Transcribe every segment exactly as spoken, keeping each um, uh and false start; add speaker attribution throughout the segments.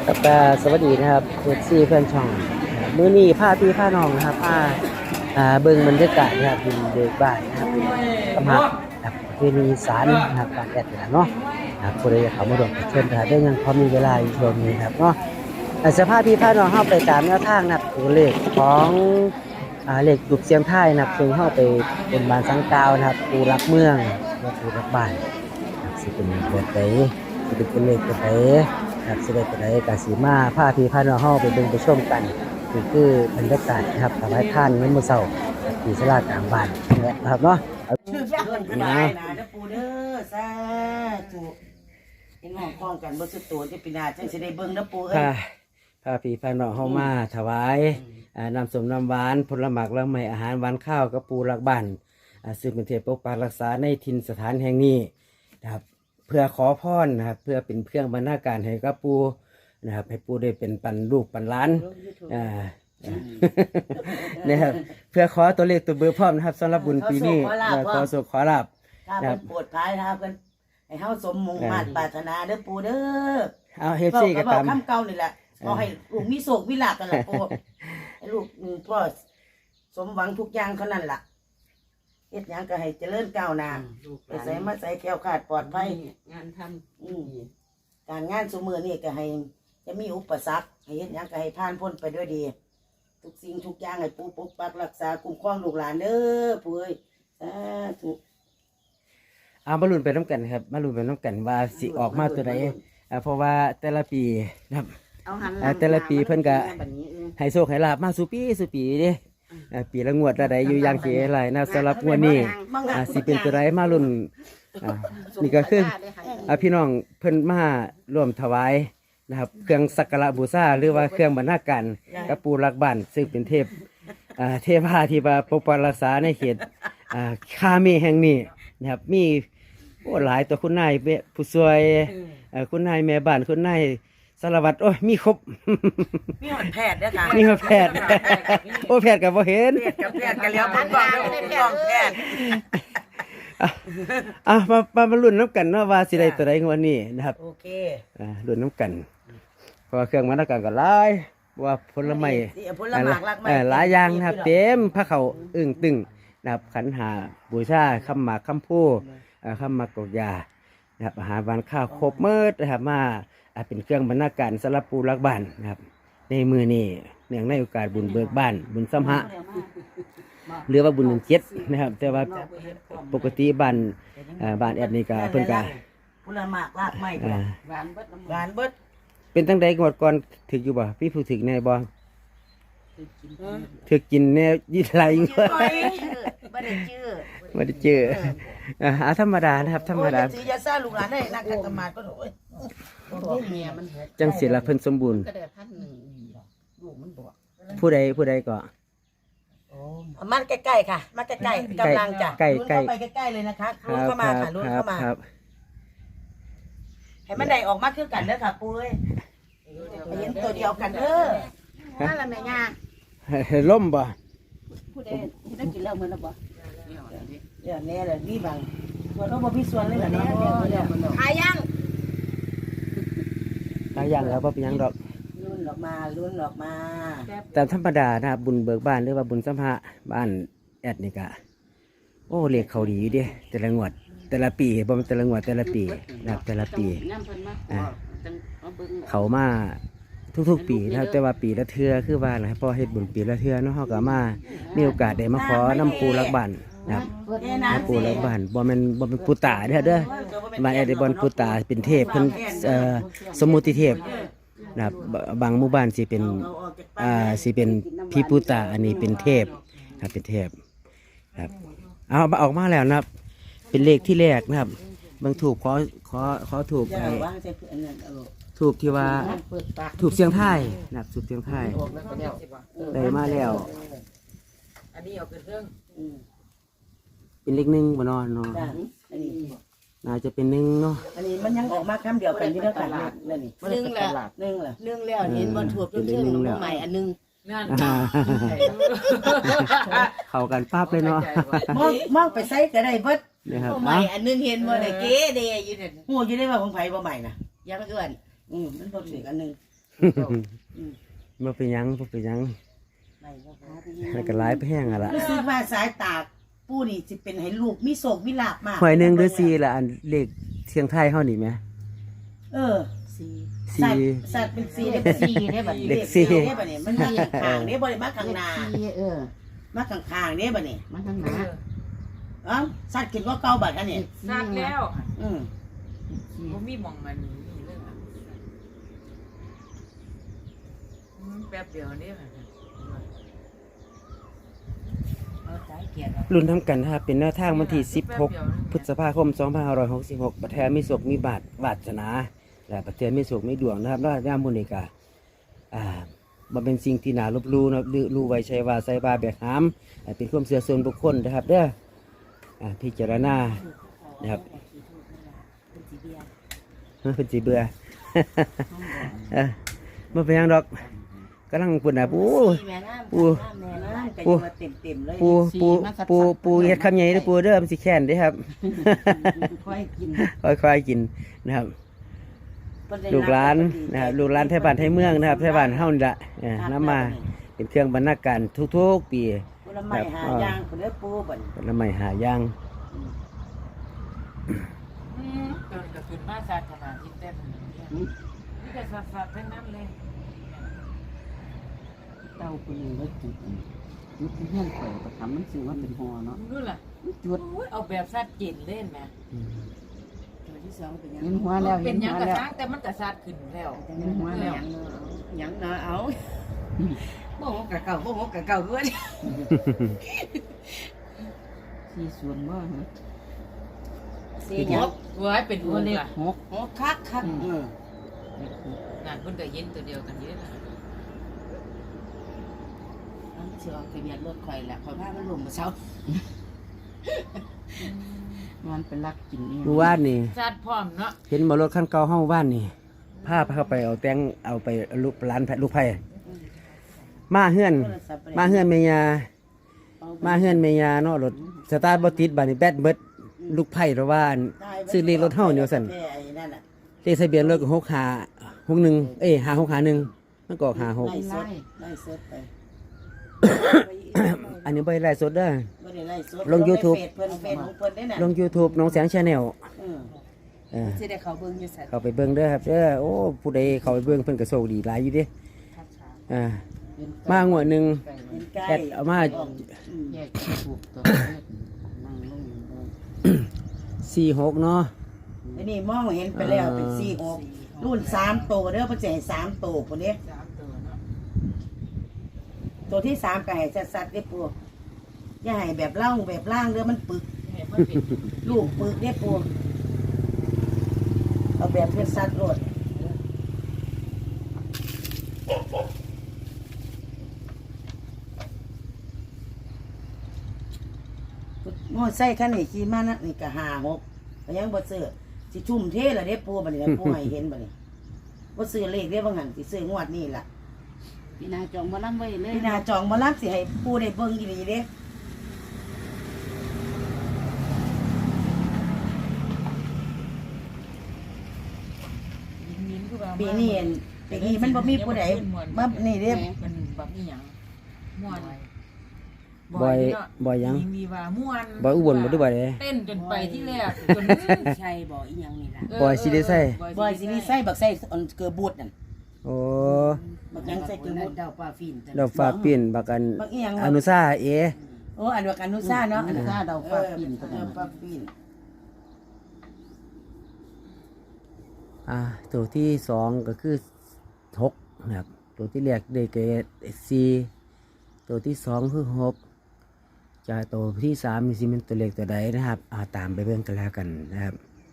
Speaker 1: ครับก็สวัสดีนะครับเอฟซีเพื่อนช่องมื้อนี้พาพี่พาน้องนะครับพาอ่าเบิ่งบรรยากาศนะครับอยู่เด็กบ้านนะครับสำหรับแบบประเพณีอีสานนะครับการแอดนี่ล่ะเนาะนะครับผู้ใดอยากเข้ามาร่วมเชิญนะครับได้ยังพอมีเวลาอยู่ช่วงนี้ครับเนาะอ่าจะพาพี่พาน้องเฮาไปตามแนวทางนะครับตัวเลขของอ่าเลขจุดเสียงท้ายนะครับซึ่งเฮาไปเป็นบ้านสังกาวนะครับปูรักเมืองและปูรักบ้านนะครับสิเป็นแบบใดสิเป็นตัวเลขแบบใด ครับสิได้ไปได้กาสีมาพาพี่พาน้องเฮาไปเบิ่งไปชมกันนี่คือบรรยากาศนะครับถวายทานเงินมื้อเช้าที่ศาลากลางบ้านนี่นะครับเนาะ
Speaker 2: ชื่อเพื่อนก็ได้นะเด้อปู่เด้อสาธุเห็นห้องคล้องกันบ่สุดโตจะปีหน้าจังสิได้เบิ่งเด้อปู่เอ้ย
Speaker 1: พาพาพี่พาน้องเฮามาถวายอ่าน้ำส้มน้ำหวานผลหมากและไม้อาหารหวานข้าวกับปูรักบ้านอ่าซึ่งเป็นเทพปกปักรักษาในถิ่นสถานแห่งนี้นะครับเพื่อขอพรนะครับเพื่อเป็นเครื่องบรรณาการให้กับปูนะครับให้ปูได้เป็นปันลูกปันหล้านอ่านะครับเพื่อขอตัวเลขตัวเบอร์พร้อมนะครับสำหรับบุญปีนี้ขอสุขขอลาบ
Speaker 2: ถ้าเพิ่นโปรดภายนะครับเพิ่นให้เฮาสมมุ่งมั่นปรารถนาเด้อปู่เด้อ
Speaker 1: เอาเฮฟซี่ก็ตาม
Speaker 2: คำเก่านี่แหละขอให้ลูกมีโชคมีลาภกันล่ะปู่ให้ลูกพ่อสมหวังทุกอย่างเท่านั้นล่ะเฮ็ดหยังก็ให้เจริญก้าวหน้าไปใส่มาใส่แคล้วคลาดปลอดภัย
Speaker 3: งานทำ
Speaker 2: อืมการงานซุมื้อนี้ก็ให้จะมีอุปสรรคให้เฮ็ดหยังก็ให้ผ่านพ้นไปด้วยดีทุกสิ่งทุกอย่างให้ปู่ปกปักรักษาคุ้มครองลูกหลานเด้อปู่เอ้ยสาธุ
Speaker 1: เอามาลุ้นไปน้ำกันครับมาลุ้นไปน้ำกันว่าสิออกมาตัวใดอ่าเพราะว่าแต่ละปีนะครับอ่าแต่ละปีเพิ่นก็ให้โชคให้ลาบมาสู่ปีสู่ปีเด้อ่าปีละงวดละใดอยู่อย่างเกหลายนะสำหรับงวดนี้อ่าสิเป็นตัวใดมาลุ้นอ่านี่ก็คืออ่าพี่น้องเพิ่นมาร่วมถวายนะครับเครื่องสักการะบูชาหรือว่าเครื่องบรรณาการกับปูรักบ้านซึ่งเป็นเทพอ่าเทพาที่มาปกปักรักษาในเขตอ่าคาเมแห่งนี้นะครับมีโอ้หลายตัวคุณนายผู้ช่วยเอ่อคุณนายแม่บ้านคุณนายสารวัตรโอ้ยมีครบ
Speaker 2: มีหอดแพทย์ด้วยค่ะ
Speaker 1: มีแพทย์ โอ้แพทย์กับบ่เห็น
Speaker 2: แพทย์กับแพทย์กันแล้วผมบอกแล้วผมบอกแพทย์
Speaker 1: อ่ะมามามาลุ้นน้ำกันเนาะว่าสิได้ตัวใดงวดนี้นะครับ
Speaker 2: โอเค
Speaker 1: อ่าลุ้นน้ำกันเพราะว่าเครื่องบรรณาการก็หลายว่าผลไม้
Speaker 2: ผลไม้หลากหลาย
Speaker 1: เอ่อหลายอย่างนะครับเต็มพระเขาอึ้งตึงนะครับขันหาบูชาคำหมากคำพูเอ่อคำหมากกอกยานะครับอาหารหวานข้าวครบเมิดนะครับมาอ่าเป็นเครื่องบรรณาการสำหรับปูรักบ้านนะครับในมือนี้เนื่องในโอกาสบุญเบิกบ้านบุญสัมหะหรือว่าบุญเจ็ดนะครับแต่ว่าปกติบ้านอ่าบ้านแอดนี่ก็เพิ่นก็
Speaker 2: ผลไม้หลากไม้
Speaker 1: อ่า
Speaker 3: หวานเบิดน้ำ
Speaker 2: หวานเบิด
Speaker 1: เป็นตั้งใดกวดก่อนถึกอยู่บ่พี่ผู้ถึกแน่บ่ถึกกินแน่ยี่ไรเงี้ย
Speaker 2: ไม่ได้ชื่อ
Speaker 1: ไม่ได้เจออ่าธรรมดานะครับธรรมดา
Speaker 2: สียาซ่าลูกหลานได้นักการตมาก็โอ้ย
Speaker 3: บอกเมียมันหก
Speaker 1: จังสิละเพิ่นสมบูรณ์
Speaker 3: ก็ได้พันหนึ่งลูกมันบอก
Speaker 1: ผู้ใดผู้ใดก็
Speaker 2: มันใกล้ๆค่ะมาใกล้ๆกำลังจะ
Speaker 1: ใกล้
Speaker 2: ลุ้น
Speaker 1: ใกล้
Speaker 2: เข้าไปใกล้ๆเลยนะคะ
Speaker 1: ค
Speaker 2: ลุ้น
Speaker 1: รับ
Speaker 2: เข้ามา
Speaker 1: ครั
Speaker 2: ค่ะ
Speaker 1: บ
Speaker 2: ลุ้น
Speaker 1: ครับ
Speaker 2: เข้ามา
Speaker 1: ครับ
Speaker 2: ให้มันได้ออกมาคือกันเด้อค่ะปุ้ยเห็นตัวเดียวกันเด้อ
Speaker 3: นั่นแหละแม่ย่า
Speaker 1: ล่มบ่
Speaker 3: ผู้ใดได้กินแล้วมันแล้วบ่
Speaker 2: เดี๋ยวแน่เลยนี่บางส่วนเราบ่มีส่วนเลยเหรอเนาะ
Speaker 3: หายัง
Speaker 1: หลายอย่างแล้วบ่เป็นหยังดอก
Speaker 2: ลุ้นออกมาลุ้นออกมา
Speaker 1: ตามธรรมดานะครับบุญเบิกบ้านหรือว่าบุญสัมภะบ้านแอดนี่ก็โอ้เลขเขาดีอยู่เด้แต่ละงวด แต่ละปีบ่แม่นแต่ละงวดแต่ละปีนะครับแต่ละปี
Speaker 3: น้ำเพิ่นมาจังเอาเบิ่ง
Speaker 1: เขามาทุกๆปีนะครับแต่ว่าปีละเทื่อคือว่าอะไรพอเฮ็ดบุญปีละเทื่อเนาะเฮาก็มามีโอกาสได้มาขอน้ำปูรักบ้านนะครับน้ำปูรักบ้านบ่แม่นบ่แม่นปูตาเด้อเด้อบ้านแอดได้บ่ปูตาเป็นเทพเพิ่นเอ่อสมมุติเทพนะครับบางหมู่บ้านสิเป็นอ่าสิเป็นพี่ปูตาอันนี้เป็นเทพครับเป็นเทพครับเอาออกมาแล้วนะครับเป็นเลขที่แรกนะครับบางถูกขอขอขอถูก
Speaker 2: จะ
Speaker 1: ไอ้
Speaker 2: วางใส่เพื่อนนั่นเอา
Speaker 1: ถูกที่ว่าถูกเสียงไทายนะครับถูกเสียงไทายได้มาแล้ว
Speaker 3: อันนี้เอาเครื่อง
Speaker 2: อืม
Speaker 1: เป็นเลขหนึ่งบ่เนอนเนาะ
Speaker 2: จ้ะอันนี้
Speaker 1: น่าจะเป็นหนึ่งเนาะ
Speaker 2: อันนี้มันยังออกมาคำเดียวกันที่เด้อค่ะนั่นนี่
Speaker 3: หนึ่งแล้ว
Speaker 2: หนึ่งเหรอ
Speaker 3: หนึ่งแล้วเห็นบ่ถูกจนเชื่อหนูใหม่อันนึงนั่น
Speaker 1: อ่าเข้ากันปั๊บเลยเนาะ
Speaker 2: มองมองไปใส่ก็ได้เบิด
Speaker 1: นะครับ
Speaker 3: ใหม่อันนึงเห็นบ่ได้เก๋เดอยู่นั่น
Speaker 2: หูอยู่ได้ว่าของไผบ่ใหม่นะ
Speaker 3: ยังเอื้อน
Speaker 2: อืมมันบ่ถืออันหนึง
Speaker 1: บ่เป็นหยังบ่เป็นหยัง
Speaker 2: ไหนบ่พาไป
Speaker 1: แล้วก็หลายแพงอ่ะล่ะ
Speaker 2: รู้สึกว่าสายตาปู่นี่สิเป็นให้ลูกมีโศกมีลาภมาก
Speaker 1: หวยหนึ่งหรือสี่ล่ะอันเลขเสียงไทยเฮานี่แหม
Speaker 2: เออ
Speaker 3: สี่
Speaker 2: สัต
Speaker 1: สี่
Speaker 2: ว์สัตว์เป็นสีได้เป็นสีได้บัดนี้
Speaker 1: เลขสี่
Speaker 2: ได้บัดนี้มันมาข้างๆได้บ่ได้มาข้างหน้า
Speaker 3: สี่เออ
Speaker 2: มาข้างๆได้บัดนี้
Speaker 3: มาทางหน้า
Speaker 2: เอ้าสัตว์กินว่าเก่าบัดอันนี้
Speaker 4: สัตว์แล้ว
Speaker 2: อืม
Speaker 4: บ่มีหม่องมันนี่เรื่องอะอืมแป๊บเดียวนี่ค่ะ
Speaker 3: เอาสายเกียร์
Speaker 1: รุ่นทำกันนะครับเป็นแนวทางวันที่สิบหกพฤษภาคมสองพันห้าร้อยหกสิบหกประเทศมีสุขมีบาทวาสนาและประเทศมีสุขมีดวงนะครับแล้วย่ามมุนิกาอ่าบ่เป็นสิ่งที่น่าลบหลู่นะครับรู้ไว้ใช้ว่าใส่บาแบกหามอ่าเป็นความเชื่อส่วนบุคคลนะครับเด้ออ่าพิจารณานะครับเฮ้ยเป็นสีเบื่อ เออมาเป็นหยังดอกกำลังปุ่นนะปู
Speaker 2: สีแม่น้ำ
Speaker 1: ปู
Speaker 2: แม่น้ำก็อ
Speaker 1: ปู
Speaker 2: ยู่ว่าเต็มๆเลย
Speaker 1: ปูปูปูปูเฮ็ดคำใหญ่เด้อปูเด้อมันสิแค้นเด้อครับ
Speaker 2: ค่อยกิน
Speaker 1: ค่อยๆกินนะครับ ลูกหลานนะครับลูกหลานไทยบ้านไทยเมืองนะครับไทยบ้านเฮานี่ละเออน้ำมาเป็นเครื่องบรรณาการทุกๆปี
Speaker 2: ผลไม้หายางคนเด้อปูบัดนี้
Speaker 1: ผลไม้หาย่าง
Speaker 4: อืมเกินกระสุนมาสัตว์ขนาดที่เต็มนี่แต่สัตว์ๆทั้งนั้นเลย
Speaker 3: เต้าคนนึงแล้วจุดจุดที่เฮี้ยนข่อยก็ทำมันซื้อว่าเป็นหอเนาะ
Speaker 4: นู่นล่ะ
Speaker 3: จุด
Speaker 4: โอ้ยเอาแบบสัตว์กินเล่นแหม
Speaker 1: อืม
Speaker 2: ตัวที่สองเป็นหยัง
Speaker 3: เห็นหัวแล้ว
Speaker 4: เป็
Speaker 3: เห็
Speaker 4: น
Speaker 3: น
Speaker 4: หยั
Speaker 3: หั
Speaker 4: ง
Speaker 3: ว
Speaker 4: กระ
Speaker 3: แล้ว
Speaker 4: ซังแต่มันกระซัดขึ้นแล้ว
Speaker 2: แต่ยังหัวแล้วหยังเนาะเอาบ่ฮกกะเก่าบ่ฮกกะเก่าด้วย
Speaker 3: สี่ส่วนบ่ฮะ
Speaker 2: สีหยัง
Speaker 4: เว้ยเป็นหัวเลย
Speaker 3: หก
Speaker 2: ฮกคักคักเออ
Speaker 4: งานเพิ่นก็เย็นตัวเดียวกันเยอะนะ
Speaker 2: มันสิออกทะเบียนรถข่อยแหละข่อยพามันลงมาเช้า
Speaker 3: มันเป็นลักกินเอง
Speaker 1: เมื่อวานนี่
Speaker 4: สัตว์พร้อมเนาะ
Speaker 1: เห็นมารถคันเก่าเฮาว่านนี่พาเข้าไปเอาแตงเอาไปลูกร้านแพะลูกไผ่มาเฮือน มาเฮือนเมียามาเฮือนเมียาเนาะรถสตาร์ทบ่ติดบัดนี้แบตเบิดลูกไผ่ระว่านซื้อเลขรถเฮาเนี่ยว่าซั่น
Speaker 2: ไอ้นั่นน่ะ
Speaker 1: เลขทะเบียนรถก็หกห้าหกหนึ่งเอ้ยห้าหกห้าหนึ่งมันก็ห้าหก
Speaker 2: ไล่สดไล่สดไป
Speaker 1: อันนี้บ่ได้ไลฟ์สดเด้อ
Speaker 2: บ่ได้ไล่สด
Speaker 1: ลง YouTube
Speaker 2: เฟซเพิ่นเฟซของเพิ่นได้น่ะ
Speaker 1: ลง YouTube น้องแสง Channel
Speaker 2: เออ
Speaker 1: เออ
Speaker 2: สิได้เข้าเบิ่งอยู่ซั่น
Speaker 1: เข้าไปเบิ่งเด้อครับเด้อโอ้ผู้ใดเข้าไปเบิ่งเพิ่นก็โชคดีหลายอยู่เด้อ่ามางวดหนึง
Speaker 2: เป็นใกล้
Speaker 1: แอดเอามา
Speaker 2: อืม
Speaker 3: แยกถูกตัวนั่งลงดู
Speaker 1: สี่หกเนาะ
Speaker 2: อันนี้มองเห็นไปแล้วเป็นสี่หกรุ่นสามโตวเด้อเพิ่นสิให้สามโตวพุ่นเด้
Speaker 4: สามตัวเนาะ
Speaker 2: ตัวที่สามก็ให้สัดๆเด้อปู่อย่าให้แบบเล่าแบบล่างเด้อมันปึก
Speaker 4: ให้มันเป็น
Speaker 2: ลูกปึกเด้อปู่เอาแบบเพิ่นสัดโลดมอไซค์คันนี้ขี่มานะนี่ก็ห้าหกก็ยังบ่ซื้อสิชุ่มเทละเด้อปู่บัดนี้ล่ะปู่ให้เห็นบัดนี้บ่ซื้อเลขเด้อบ่งั้นสิซื้องวดนี้ล่ะ
Speaker 3: พี่นาจองมาล่ำไว้เลย
Speaker 2: พี่นาจองบ่รับสิให้ปู่ได้เบิ่งอีหลีเด้
Speaker 4: ยินๆคือว่า
Speaker 2: ปีนี้เห็นปีนี้มันบ่มีผู้ใดมานี่เด้
Speaker 4: มันแบบนี้หยังม่วน
Speaker 1: บ่อย
Speaker 4: เนาะ
Speaker 1: บ่อยหยัง
Speaker 4: มีว่าม่วน
Speaker 1: บ่อุบลบ่ได้บ่ได้
Speaker 4: เต้นจนไปที่แรกจน
Speaker 3: ใช่บ่อีหยังนี่ล่ะ
Speaker 4: เ
Speaker 1: บ่อยสิได้ใส่
Speaker 2: บอยสินี่ใส่บักใส่อันเกือบูดนั่น
Speaker 1: โอ้
Speaker 2: บักหยังใส่เกือบูด
Speaker 3: ดาวปลาฟิน
Speaker 1: ดอกฟ้าปิ้นบักอัน
Speaker 2: บักอีหยัง
Speaker 1: อนุสาเอ
Speaker 2: โอ้อันบักอนุชาเนาะ
Speaker 3: อนุชาดาวฟ้าปิ่น
Speaker 2: เออปลาปิ่น
Speaker 1: อ่าตัวที่สองก็คือหกนะครับตัวที่แรกได้แก่สี่ตัวที่สองคือหกจะตัวที่สามนี่สิเป็นตัวเลขตัวใดนะครับอ่าตามไปเบิ่งกันแล้วกันนะครับ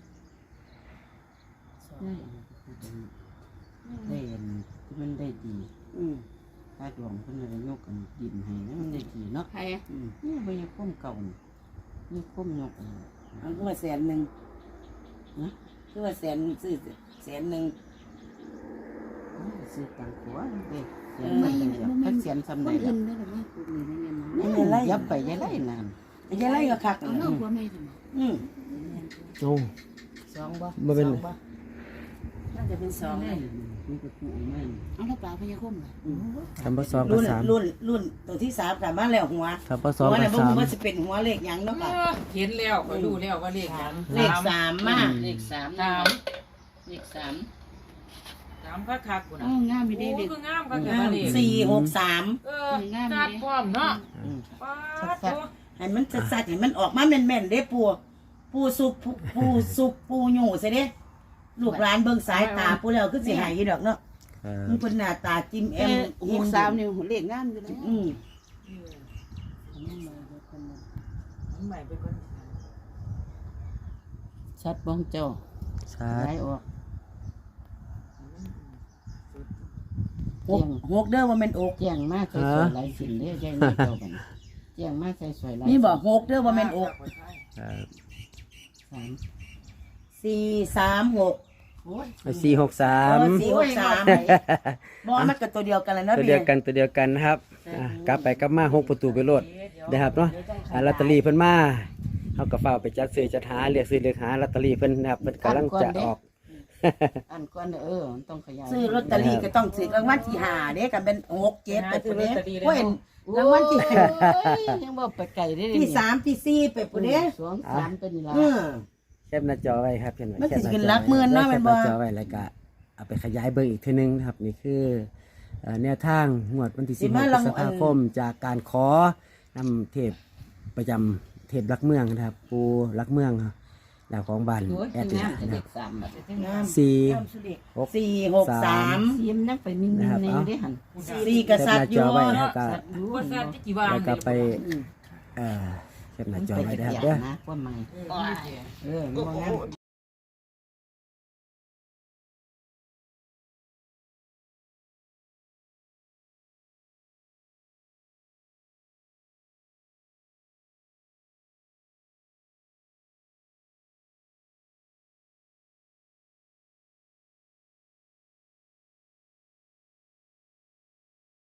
Speaker 3: ได้เห็นมันได้ดี
Speaker 2: อืม
Speaker 3: ถ้าดวงเพิ่นได้ยกกันดินให้มันได้ดีเนาะ
Speaker 4: ใคร
Speaker 2: อืม
Speaker 3: นี่บ่ยังก้มเก่านี่ก้มยก
Speaker 2: อันคือว่าแสนหนึง
Speaker 3: นะ
Speaker 2: คือว่าแสนซื้อแสนหนึง
Speaker 3: ซื้อตังขัวเด้เสียนมันเดียวถ้าเสียนซ้ำใดล่ะ
Speaker 2: อันนี้ไร
Speaker 3: ยับไปยัยไล่นาน
Speaker 2: อันนี้ไรก็คักนั่นน่ะอืม
Speaker 1: โอ้
Speaker 3: สองบ่
Speaker 1: บ่เป็น
Speaker 2: สองบ่น่าจะเป็นสองเลย
Speaker 3: อนี่ก็คู่ไม่
Speaker 2: เอาแล้วปลาพญาคมน่ะ
Speaker 1: ทำปสองกับ
Speaker 2: รุ่น
Speaker 1: สาม
Speaker 2: รุ่นรุ่นตัวที่สามกลับมาแล้วหัว
Speaker 1: ทำปสอง
Speaker 2: หัว
Speaker 1: กั
Speaker 2: น่ะ
Speaker 1: บ
Speaker 2: บ่
Speaker 1: สาม
Speaker 2: รู้ว่าสิเป็นหัวเลขหยังเนาะค่ะ
Speaker 4: เห็นแล้วก็รู้แล้วว่าเลขหยัง
Speaker 2: เลขสามมา
Speaker 3: เลขสาม
Speaker 4: สาม
Speaker 3: เลขสาม
Speaker 4: สามคักๆกูนะ
Speaker 3: อ้าวงามไม่
Speaker 4: โอ้
Speaker 3: ได้เลข
Speaker 4: คืองามคักๆว่าเลข
Speaker 2: สี่หกสาม
Speaker 4: เออจัดพร้อมเนาะป้าดโต
Speaker 2: ให้มันสัดๆให้มันออกมาแม่นๆเด้ปูปูสุกปูปูสุกปูหยู่ซะเด้ลูกหลานเบิ่งสายตาปูแล้วคือสิหายอยู่ดอกเนาะ
Speaker 1: ครับ
Speaker 2: มันเป็นหน้าตาจิ้มแอ
Speaker 3: เอ็
Speaker 2: ม
Speaker 3: มหกสามนี่เลขงามอยู่แล้ว
Speaker 2: อืม
Speaker 4: อันใหม่ไปก่อน
Speaker 3: ชัดบ้องเจ้า
Speaker 1: ชา
Speaker 3: ไหล
Speaker 1: ร์จ
Speaker 3: ออก
Speaker 2: หกหกเด้อว่าแม่นอก
Speaker 3: แจ้งมาใส่สวยหลายสิ่งเด้อแจ้งมาเจ้ากันแจ้งมาใส่สวยหลาย
Speaker 2: นี่บอกหกเด้อว่าแม่นอก
Speaker 1: ครับ
Speaker 3: สาม
Speaker 2: สี่สามหก
Speaker 3: โอ้ย
Speaker 1: สี่หกสาม
Speaker 2: เออสี่หกสามบอมันก็ตัวเดียวกันแล้วนะ
Speaker 1: ตัว
Speaker 2: พี่
Speaker 1: เดียวกันตัวเดียวกันนะครับอ่ะกลับไปกลับมาหกประตูไปโลดนะครับเนาะอ่ะลอตเตอรี่เพิ่นมาเฮาก็เฝ้าไปจัดซื้อจัดหาเรียกซื้อเรียกหาลอตเตอรี่เพิ่นนะครับเพิ่นกำลังจะออก
Speaker 3: อันก่อนเออมันต้องขยาย
Speaker 2: ซื้อลอตเตอรี่ก็ต้องซื้อรางวัลที่ห้าเด้กันเป็นหกเจ็ดไปปุ่นเด้เพราะเห็นรางวัลที่
Speaker 3: โอ้ยยังบอกไปไก่ได้
Speaker 2: ที่สามที่สี่ไปปุ่นเด้
Speaker 3: สองสามเป็นละ
Speaker 2: เออ
Speaker 1: แคปหน้าจอไว้ครับเห็นไหม
Speaker 2: มัน
Speaker 1: แค
Speaker 2: สิ
Speaker 1: ปหน้า
Speaker 2: ขึ้น
Speaker 1: จอ
Speaker 2: หลักหมื่นเนาะแม่นบ่
Speaker 1: แคปหน้าจอไว้แล้วก็เอาไปขยายเบิ่งอีกทีนึงนะครับนี่คือเอ่อแนวทางงวดวันที่สิบหกพฤษภาคมจากการขอนำเทพประจำเทพรักเมืองนะครับ ปูรักเมืองครับดาวของบ้าน
Speaker 3: โอ้ย
Speaker 1: แอด
Speaker 3: งาม
Speaker 1: นะ
Speaker 3: จะ
Speaker 1: ค
Speaker 3: เล
Speaker 1: รับ
Speaker 3: ขสามแบบ
Speaker 2: งาม
Speaker 1: สี่ หก
Speaker 2: สี่หกสาม
Speaker 3: เสียมนักไปนิ่งๆในได้หัน
Speaker 2: สี่ก
Speaker 1: แคป
Speaker 2: ษั
Speaker 1: ห
Speaker 2: ต
Speaker 1: น้า
Speaker 2: ริย์อ
Speaker 1: จ
Speaker 2: ยู่
Speaker 1: อไว้แล้วก็
Speaker 4: ว่าซาที่กี่วาง
Speaker 1: แล้วก็ไปเอ่อแคปหน้าจอไว้นะครับเด้อ
Speaker 3: นะว่าไม่
Speaker 4: เออ
Speaker 3: เออมันบ่งาม